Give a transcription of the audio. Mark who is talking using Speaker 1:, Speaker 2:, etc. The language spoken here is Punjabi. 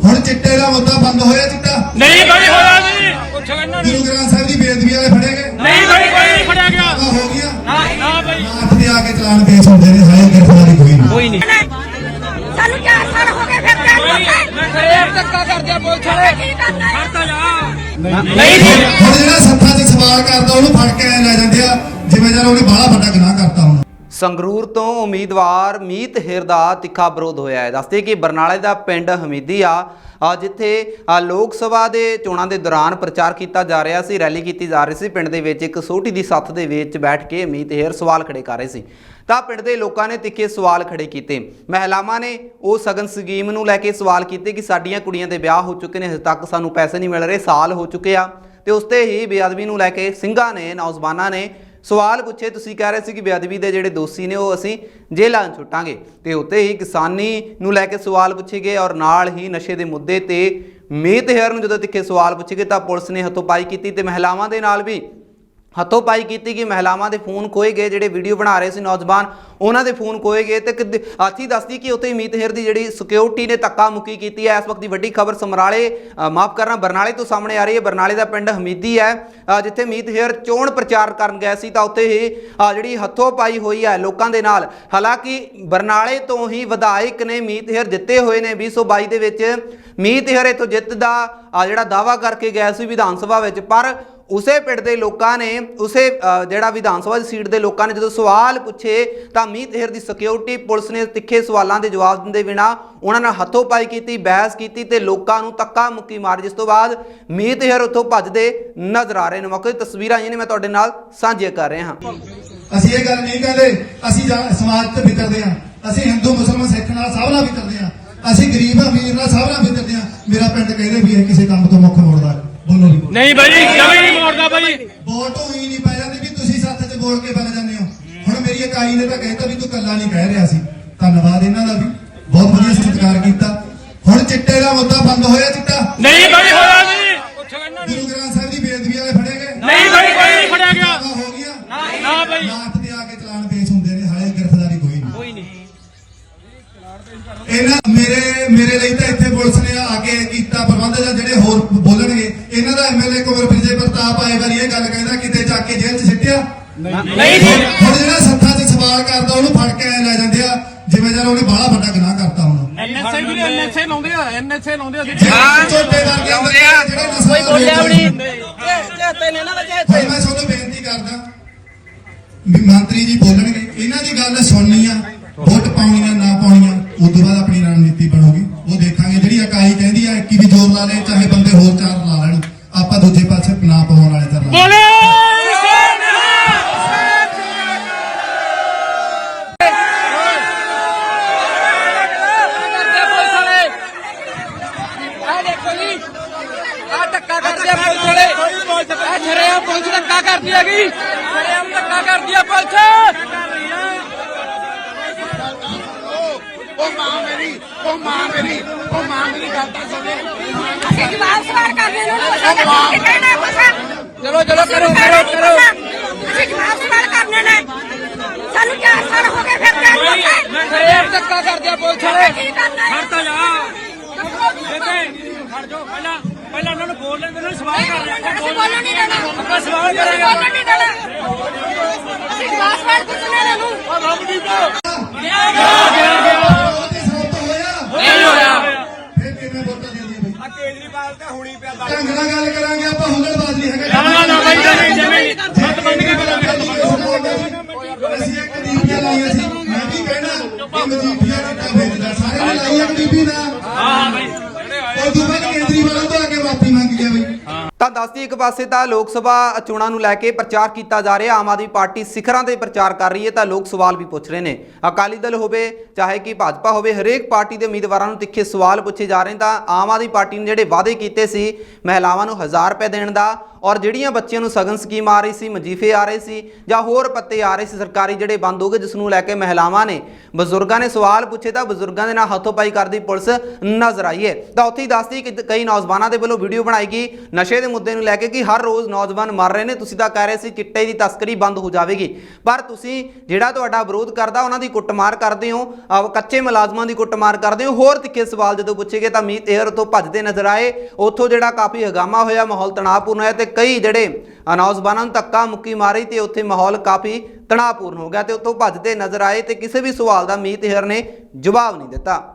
Speaker 1: ਹੁਣ ਚਿੱਟੇ ਦਾ ਮੁੱਦਾ ਬੰਦ ਹੋਇਆ ਚਿੱਟਾ
Speaker 2: ਨਹੀਂ ਬਈ ਹੋਇਆ ਜੀ ਪੁੱਛੋ ਇਹਨਾਂ ਨੂੰ
Speaker 1: ਗੁਰੂ ਗ੍ਰੰਥ ਸਾਹਿਬ ਦੀ ਬੇਅਦਬੀ ਵਾਲੇ ਫੜੇ ਗਏ
Speaker 2: ਨਹੀਂ ਬਈ ਕੋਈ ਨਹੀਂ ਫੜਿਆ ਗਿਆ
Speaker 1: ਹੋ ਗਿਆ
Speaker 2: ਨਾ ਬਈ
Speaker 1: ਮਾਥ ਤੇ ਆ ਕੇ ਚਲਾਨ ਪੇਸ਼ ਹੁੰਦੇ ਨੇ ਹਾਏ ਗ੍ਰਿਫਤਾਰੀ ਕੋਈ ਨਹੀਂ
Speaker 3: ਸਾਨੂੰ 4 ਸਾਲ ਹੋ ਗਏ ਫਿਰ
Speaker 2: ਫੇਰ ਧੱਕਾ ਕਰਦੇ ਆ ਪੁਲਿਸ ਵਾਲੇ ਫੜਤਾ ਜਾ ਨਹੀਂ
Speaker 1: ਹੁਣ ਜਿਹੜਾ ਸੱਥਾਂ 'ਚ ਸਵਾਲ ਕਰਦਾ ਉਹਨੂੰ ਫੜ ਕੇ ਐ ਲੈ ਜਾਂਦੇ ਆ ਜਿਵੇਂ ਜਦ ਉਹਨੇ ਬਾਹਲਾ ਵੱਡਾ ਗੁਨਾਹ ਕਰਤਾ ਹੁਣ।
Speaker 4: ਸੰਗਰੂਰ ਤੋਂ ਉਮੀਦਵਾਰ ਮੀਤ ਹੇਰ ਦਾ ਤਿੱਖਾ ਵਿਰੋਧ ਹੋਇਆ ਹੈ। ਦੱਸਦੇ ਕਿ ਬਰਨਾਲੇ ਦਾ ਪਿੰਡ ਹਮੀਦੀ ਆ ਜਿੱਥੇ ਲੋਕ ਸਭਾ ਦੇ ਚੋਣਾਂ ਦੇ ਦੌਰਾਨ ਪ੍ਰਚਾਰ ਕੀਤਾ ਜਾ ਰਿਹਾ ਸੀ, ਰੈਲੀ ਕੀਤੀ ਜਾ ਰਹੀ ਸੀ। ਪਿੰਡ ਦੇ ਵਿੱਚ ਇੱਕ ਸੋਟੀ ਦੀ ਸੱਥ ਦੇ ਵਿੱਚ ਬੈਠ ਕੇ ਮੀਤ ਹੇਰ ਸਵਾਲ ਖੜੇ ਕਰ ਰਹੇ ਸੀ ਤਾਂ ਪਿੰਡ ਦੇ ਲੋਕਾਂ ਨੇ ਤਿੱਖੇ ਸਵਾਲ ਖੜੇ ਕੀਤੇ। ਮਹਿਲਾਵਾਂ ਨੇ ਉਹ ਸਗਨ ਸਕੀਮ ਨੂੰ ਲੈ ਕੇ ਸਵਾਲ ਕੀਤੇ ਕਿ ਸਾਡੀਆਂ ਕੁੜੀਆਂ ਦੇ ਵਿਆਹ ਹੋ ਚੁੱਕੇ ਨੇ, ਹਜੇ ਤੱਕ ਸਾਨੂੰ ਪੈਸੇ ਨਹੀਂ ਮਿਲ ਰਹੇ, ਸਾਲ ਹੋ ਚੁੱਕੇ ਆ। ਤੇ ਉਸ ਤੇ ਹੀ ਬੇਅਦਬੀ ਨੂੰ ਲੈ ਕੇ ਸਿੰਘਾਂ ਨੇ, ਨੌਜਵਾਨਾਂ ਨੇ ਸਵਾਲ ਪੁੱਛੇ। ਤੁਸੀਂ ਕਹਿ ਰਹੇ ਸੀ ਕਿ ਬੇਅਦਬੀ ਦੇ ਜਿਹੜੇ ਦੋਸ਼ੀ ਨੇ ਉਹ ਅਸੀਂ ਜੇਲ੍ਹਾਂ ਛੁੱਟਾਂਗੇ, ਤੇ ਉੱਤੇ ਹੀ ਕਿਸਾਨੀ ਨੂੰ ਲੈ ਕੇ ਸਵਾਲ ਪੁੱਛੇ ਗਏ ਔਰ ਨਾਲ ਹੀ ਨਸ਼ੇ ਦੇ ਮੁੱਦੇ ਤੇ ਮੀਤ ਹੇਰ ਨੂੰ ਜਦੋਂ ਤਿੱਖੇ ਸਵਾਲ ਪੁੱਛੇ ਗਏ ਤਾਂ ਪੁਲਿਸ ਨੇ ਹੱਥੋਂ-ਪਾਈ ਕੀਤੀ ਤੇ ਮਹਿਲਾਵਾਂ ਦੇ ਨਾਲ ਵੀ ਹੱਥੋਂ-ਪਾਈ ਕੀਤੀ ਕਿ ਮਹਿਲਾਵਾਂ ਦੇ ਫੋਨ ਖੋਏ ਗਏ, ਜਿਹੜੇ ਵੀਡੀਓ ਬਣਾ ਰਹੇ ਸੀ ਨੌਜਵਾਨ ਉਹਨਾਂ ਦੇ ਫੋਨ ਖੋਏ ਗਏ। ਤੇ ਆਥੀ ਦੱਸਦੀ ਕਿ ਉੱਥੇ ਮੀਤ ਹੇਰ ਦੀ ਜਿਹੜੀ ਸਿਕਿਉਰਿਟੀ ਨੇ ਧੱਕਾ ਮੁੱਕੀ ਕੀਤੀ ਹੈ। ਇਸ ਵਕਤ ਦੀ ਵੱਡੀ ਖਬਰ ਬਰਨਾਲੇ ਤੋਂ ਸਾਹਮਣੇ ਆ ਰਹੀ ਹੈ। ਬਰਨਾਲੇ ਦਾ ਪਿੰਡ ਹਮੀਦੀ ਹੈ ਜਿੱਥੇ ਮੀਤ ਹੇਰ ਚੋਣ ਪ੍ਰਚਾਰ ਕਰਨ ਗਏ ਸੀ ਤਾਂ ਉੱਥੇ ਹੀ ਜਿਹੜੀ ਹੱਥੋਂ-ਪਾਈ ਹੋਈ ਹੈ ਲੋਕਾਂ ਦੇ ਨਾਲ। ਹਾਲਾਂਕਿ ਬਰਨਾਲੇ ਤੋਂ ਹੀ ਵਿਧਾਇਕ ਨੇ ਮੀਤ ਹੇਰ ਜਿੱਤੇ ਹੋਏ ਨੇ 2022 ਦੇ ਵਿੱਚ। ਮੀਤ ਹੇਰ ਇੱਥੋਂ ਜਿੱਤ ਦਾ ਜਿਹੜਾ ਦਾਅਵਾ ਕਰਕੇ ਗਏ ਸੀ ਵਿਧਾਨ ਸਭਾ ਵਿੱਚ, ਪਰ ਉਸੇ ਪਿੰਡ ਦੇ ਲੋਕਾਂ ਨੇ ਉਸੇ ਜਿਹੜਾ ਵਿਧਾਨ ਸਭਾ ਦੀ ਸੀਟ ਦੇ ਲੋਕਾਂ ਨੇ ਜਦੋਂ ਸਵਾਲ ਪੁੱਛੇ ਤਾਂ ਮੀਤ ਹੇਰ ਦੀ ਸਿਕਿਉਰਿਟੀ ਪੁਲਿਸ ਨੇ ਤਿੱਖੇ ਸਵਾਲਾਂ ਦੇ ਜਵਾਬ ਦਿੰਦੇ ਬਿਨਾਂ ਉਹਨਾਂ ਨਾਲ ਹੱਥੋਂ-ਪਾਈ ਕੀਤੀ, ਬਹਿਸ ਕੀਤੀ ਤੇ ਲੋਕਾਂ ਨੂੰ ਧੱਕਾ ਮੁੱਕੀ ਮਾਰੀ, ਜਿਸ ਤੋਂ ਬਾਅਦ ਮੀਤ ਹੇਰ ਉੱਥੋਂ ਭੱਜਦੇ ਨਜ਼ਰ ਆ ਰਹੇ ਨੇ। ਮੌਕੇ ਦੀ ਤਸਵੀਰਾਂ ਆਈਆਂ ਨੇ, ਮੈਂ ਤੁਹਾਡੇ ਨਾਲ ਸਾਂਝੀਆਂ ਕਰ ਰਿਹਾ ਹਾਂ।
Speaker 1: ਅਸੀਂ ਇਹ ਗੱਲ ਨਹੀਂ ਕਹਿੰਦੇ ਅਸੀਂ ਸਮਾਜ ਤੇ ਵਿਤਰਦੇ ਆ, ਅਸੀਂ ਹਿੰਦੂ ਮੁਸਲਮਾਨ ਸਿੱਖ ਨਾਲ ਸਭ ਨਾਲ ਵਿਤਰਦੇ ਆ, ਅਸੀਂ ਗਰੀਬ ਅਮੀਰ ਨਾਲ ਸਭ ਨਾਲ ਵਿਤਰਦੇ ਆ। ਮੇਰਾ ਪਿੰਡ ਕਹਿੰਦੇ ਵੀ ਇਹ ਕਿਸੇ ਕੰਮ ਤੋਂ ਮੁੱਖ ਮੋੜਦਾ ਬੋਲੋ
Speaker 2: ਨਹੀਂ ਬਈ ਜਮੀ ਨਹੀਂ ਮੋੜਦਾ ਬਈ।
Speaker 1: ਵੋਟ ਹੋਈ ਨਹੀਂ ਪੈ ਜਾਂਦੀ ਵੀ ਤੁਸੀਂ ਸੱਥ 'ਚ ਬੋਲ ਕੇ ਬਣ ਜਾਂਦੇ ਹੋ। ਹੁਣ ਮੇਰੀ ਇਕਾਈ ਨੇ ਤਾਂ ਕਹਿਤਾ ਵੀ ਤੂੰ ਕੱਲਾ ਨਹੀਂ ਕਹਿ ਰਿਹਾ ਸੀ। ਧੰਨਵਾਦ ਇਹਨਾਂ ਦਾ ਵੀ, ਬਹੁਤ ਵਧੀਆ ਸਤਿਕਾਰ ਕੀਤਾ। ਹੁਣ ਚਿੱਟੇ ਦਾ ਮੁੱਦਾ ਬੰਦ ਹੋਇਆ ਚਿੱਟਾ
Speaker 2: ਨਹੀਂ ਬਈ ਹੋਇਆ ਜੀ ਪੁੱਛੋ ਇਹਨਾਂ ਨੂੰ
Speaker 1: ਗੁਰੂ ਗ੍ਰੰਥ ਸਾਹਿਬ ਦੀ ਬੇਅਦਬੀ ਵਾਲੇ ਫੜੇ ਗਏ
Speaker 2: ਨਹੀਂ ਬਈ ਕੋਈ ਨਹੀਂ ਫੜਿਆ ਗਿਆ
Speaker 1: ਹੋ ਗਿਆ
Speaker 2: ਨਾ ਬਈ
Speaker 1: ਮਾਥ ਤੇ ਆ ਕੇ ਚਲਾਨ ਪੇਸ਼ ਹੁੰਦੇ ਨੇ ਹਾਏ ਗ੍ਰਿਫਤਾਰੀ ਕੋਈ ਨਹੀਂ। ਇਹਨਾਂ ਮੇਰੇ ਲਈ ਤਾਂ ਇੱਥੇ ਪੁਲਿਸ ਨੇ ਆ ਕੇ ਕੀਤਾ ਪ੍ਰਬੰਧ ਜਾਂ ਜਿਹੜੇ ਹੋਰ ਬੋਲਣਗੇ ਇਹਨਾਂ ਦਾ ਐਮਐਲਏ ਕੁਮਰ ਵਿਜੇ ਪ੍ਰਤਾਪ ਆਏ ਵਾਰੀ ਇਹ ਗੱਲ ਕਹਿੰਦਾ ਕਿਤੇ ਚੱਕ ਕੇ ਜੇਲ੍ਹ 'ਚ ਸਿੱਟਿਆ
Speaker 2: ਨਹੀਂ
Speaker 1: ਹੁਣ ਜਿਹੜਾ ਸੱਥਾਂ 'ਚ ਸਵਾਲ ਕਰਦਾ ਉਹਨੂੰ ਫੜ ਕੇ ਐ ਲੈ ਜਾਂਦੇ ਆ ਜਿਵੇਂ ਜਦ ਉਹਨੇ ਬਾਹਲਾ ਵੱਡਾ ਗੁਨਾਹ ਕਰਤਾ ਹੁਣ।
Speaker 2: ਐਨਐਸਏ ਲਾਉਂਦੇ ਆ
Speaker 1: ਝੋਟੇ ਵਰਗੇ ਆਉਂਦੇ ਆ ਜਿਹੜੇ ਨਸਲ ਬੋਲਿਆ ਵੀ ਨਹੀਂ। ਮੈਂ ਤੁਹਾਨੂੰ ਬੇਨਤੀ ਕਰਦਾ ਵੀ ਮੰਤਰੀ ਜੀ ਬੋਲਣਗੇ, ਇਹਨਾਂ ਦੀ ਗੱਲ ਸੁਣਨੀ ਆ, ਵੋਟ ਪਾਉਣੀਆਂ ਨਾ ਪਾਉਣੀਆਂ ਉਸ ਤੋਂ ਬਾਅਦ ਆਪਣੀ ਰਣਨੀਤੀ ਬਣੂਗੀ, ਉਹ ਦੇਖਾਂਗੇ। ਜਿਹੜੀ ਇਕਾਈ ਕਹਿੰਦੀ ਆ ਕਿ ਵੀ ਜ਼ੋਰ ਲਾ ਲੈ, ਚਾਹੇ ਬੰਦੇ ਹੋਰ 4 ਲਾ ਲੈਣ, ਆਪਾਂ ਦੂਜੇ ਪਾਸੇ ਨਾ ਪਾਉਣ ਵਾਲੇ ਚੱਲ
Speaker 2: ਬੋਲੇ ਧੱਕਾ ਕਰਦੇ ਆ ਪੁਲਿਸ ਵਾਲੇ। ਛੜਿਆ ਪੁਲਿਸ ਧੱਕਾ ਕਰਦੀ ਹੈਗੀ, ਛੜਿਆ ਧੱਕਾ ਕਰਦੀ ਆ ਪੁਲਿਸ।
Speaker 3: ਅਸੀਂ ਜਵਾਬ ਸਵਾਲ ਕਰਨੇ ਨੂੰ ਅਸੀਂ ਕਹਿਣਾ ਕੁਛ।
Speaker 2: ਚਲੋ ਕਰੋ
Speaker 3: ਅਸੀਂ ਜਵਾਬ ਸਵਾਲ ਕਰਨੇ ਨੇ। ਸਾਨੂੰ 4 ਸਾਲ ਹੋ ਗਏ ਫਿਰ
Speaker 2: ਧੱਕਾ ਕਰਦੇ ਆ ਪੁਲਿਸ ਵਾਲੇ ਫੜਤਾ ਜਾ ਖੜ ਜਾਓ। ਪਹਿਲਾਂ ਉਹਨਾਂ ਨੂੰ ਬੋਲ ਲੈਂਦੇ ਨੇ, ਸਵਾਲ ਕਰ ਰਹੇ
Speaker 3: ਅਸੀਂ ਬੋਲਣ ਨਹੀਂ ਦੇਣਾ,
Speaker 2: ਆਪਾਂ ਸਵਾਲ ਕਰਾਂਗੇ।
Speaker 3: ਬੋਲਣ ਨਹੀਂ ਦੇਣਾ, ਅਸੀਂ ਜਵਾਬ ਸਵਾਲ ਪੁੱਛਣੇ ਨੇ ਨੂੰ।
Speaker 1: ਫਿਰ ਕਿਵੇਂ ਵੋਟਾਂ ਦੇ ਦਈਏ ਬਈ?
Speaker 2: ਕੇਜਰੀਵਾਲ ਤਾਂ ਹੁਣੀ ਪਿਆ
Speaker 1: ਢੰਗ ਨਾਲ ਗੱਲ ਕਰਾਂਗੇ ਆਪਾਂ, ਹੁਲੜਬਾਜ਼ ਨਹੀਂ ਹੈਗਾ।
Speaker 2: ਨਾ ਬਈ ਜਿਵੇਂ ਸੱਤ ਬੰਦ ਕੇ
Speaker 1: ਅਸੀਂ ਇੱਕ ਡੀਪੀਆਂ ਲਾਈਆਂ ਸੀ, ਮੈਂ ਵੀ ਕਹਿਣਾ ਕਿ ਮਜੀਠੀਆ ਚਿੱਟਾ ਵੇਚਦਾ, ਸਾਰੇ ਨੇ ਲਾਈ ਇੱਕ ਡੀਪੀ ਦਾ।
Speaker 2: ਹਾਂ ਬਈ
Speaker 1: ਉਹ ਤੋਂ ਬਾਅਦ ਕੇਜਰੀਵਾਲ ਤੋਂ ਆ ਕੇ ਮਾਫੀ ਮੰਗ ਗਿਆ ਬਈ।
Speaker 4: ਤਾਂ ਦੱਸਦੀ ਇੱਕ ਪਾਸੇ ਤਾਂ ਲੋਕ ਸਭਾ ਚੋਣਾਂ ਨੂੰ ਲੈ ਕੇ ਪ੍ਰਚਾਰ ਕੀਤਾ ਜਾ ਰਿਹਾ, ਆਮ ਆਦਮੀ ਪਾਰਟੀ ਸਿਖਰਾਂ ਤੇ ਪ੍ਰਚਾਰ ਕਰ ਰਹੀ ਹੈ ਤਾਂ ਲੋਕ ਸਵਾਲ ਵੀ ਪੁੱਛ ਰਹੇ ਨੇ। ਅਕਾਲੀ ਦਲ ਹੋਵੇ ਚਾਹੇ ਕਿ ਭਾਜਪਾ ਹੋਵੇ, ਹਰੇਕ ਪਾਰਟੀ ਦੇ ਉਮੀਦਵਾਰਾਂ ਨੂੰ ਤਿੱਖੇ ਸਵਾਲ ਪੁੱਛੇ ਜਾ ਰਹੇ। ਤਾਂ ਆਮ ਆਦਮੀ ਪਾਰਟੀ ਨੇ ਜਿਹੜੇ ਵਾਅਦੇ ਕੀਤੇ ਸੀ ਮਹਿਲਾਵਾਂ ਨੂੰ 1000 ਰੁਪਏ ਦੇਣ ਦਾ, ਔਰ ਜਿਹੜੀਆਂ ਬੱਚਿਆਂ ਨੂੰ ਸਗਨ ਸਕੀਮ ਆ ਰਹੀ ਸੀ, ਮਜੀਫੇ ਆ ਰਹੇ ਸੀ ਜਾਂ ਹੋਰ ਪੱਤੇ ਆ ਰਹੇ ਸੀ ਸਰਕਾਰੀ ਜਿਹੜੇ ਬੰਦ ਹੋ ਗਏ, ਜਿਸ ਨੂੰ ਲੈ ਕੇ ਮਹਿਲਾਵਾਂ ਨੇ, ਬਜ਼ੁਰਗਾਂ ਨੇ ਸਵਾਲ ਪੁੱਛੇ ਤਾਂ ਬਜ਼ੁਰਗਾਂ ਦੇ ਨਾਲ ਹੱਥੋਂ-ਪਾਈ ਕਰਦੀ ਪੁਲਿਸ ਨਜ਼ਰ ਆਈ ਹੈ। ਤਾਂ ਉੱਥੇ ਹੀ ਦੱਸਦੀ ਕਿ ਕਈ ਨੌਜਵਾਨਾਂ ਦੇ ਵੱਲੋਂ ਵੀਡੀਓ ਬਣਾਈ ਗਈ ਨਸ਼ੇ ਦੇ ਮੁੱਦੇ ਨੂੰ ਲੈ ਕੇ ਕਿ ਹਰ ਰੋਜ਼ ਨੌਜਵਾਨ ਮਰ ਰਹੇ ਨੇ, ਤੁਸੀਂ ਤਾਂ ਕਹਿ ਰਹੇ ਸੀ ਚਿੱਟੇ ਦੀ ਤਸਕਰੀ ਬੰਦ ਹੋ ਜਾਵੇਗੀ, ਪਰ ਤੁਸੀਂ ਜਿਹੜਾ ਤੁਹਾਡਾ ਵਿਰੋਧ ਕਰਦਾ ਉਹਨਾਂ ਦੀ ਕੁੱਟਮਾਰ ਕਰਦੇ ਹੋ, ਕੱਚੇ ਮੁਲਾਜ਼ਮਾਂ ਦੀ ਕੁੱਟਮਾਰ ਕਰਦੇ ਹੋ। ਹੋਰ ਤਿੱਖੇ ਸਵਾਲ ਜਦੋਂ ਪੁੱਛੇ ਗਏ ਤਾਂ ਮੀਤ ਹੇਅਰ ਤੋਂ ਭੱਜਦੇ ਨਜ਼ਰ ਆਏ। ਉੱਥੋਂ ਜਿਹੜਾ ਕਾਫੀ ਹੰਗਾਮਾ ਹੋਇਆ, ਮਾਹੌਲ ਤਣਾਅਪੂਰਨ ਹੋਇਆ ਤੇ ਕਈ ਜਿਹੜੇ ਨੌਜਵਾਨਾਂ ਨੂੰ ਧੱਕਾ ਮੁੱਕੀ ਮਾਰੀ ਤੇ ਉੱਥੇ ਮਾਹੌਲ ਕਾਫੀ ਤਣਾਅਪੂਰਨ ਹੋ ਗਿਆ ਤੇ ਉੱਥੋਂ ਭੱਜਦੇ ਨਜ਼ਰ ਆਏ ਤੇ ਕਿਸੇ ਵੀ ਸਵਾਲ ਦਾ ਮੀਤ ਹੇਅਰ ਨੇ ਜਵਾਬ ਨਹੀਂ ਦਿੱਤਾ।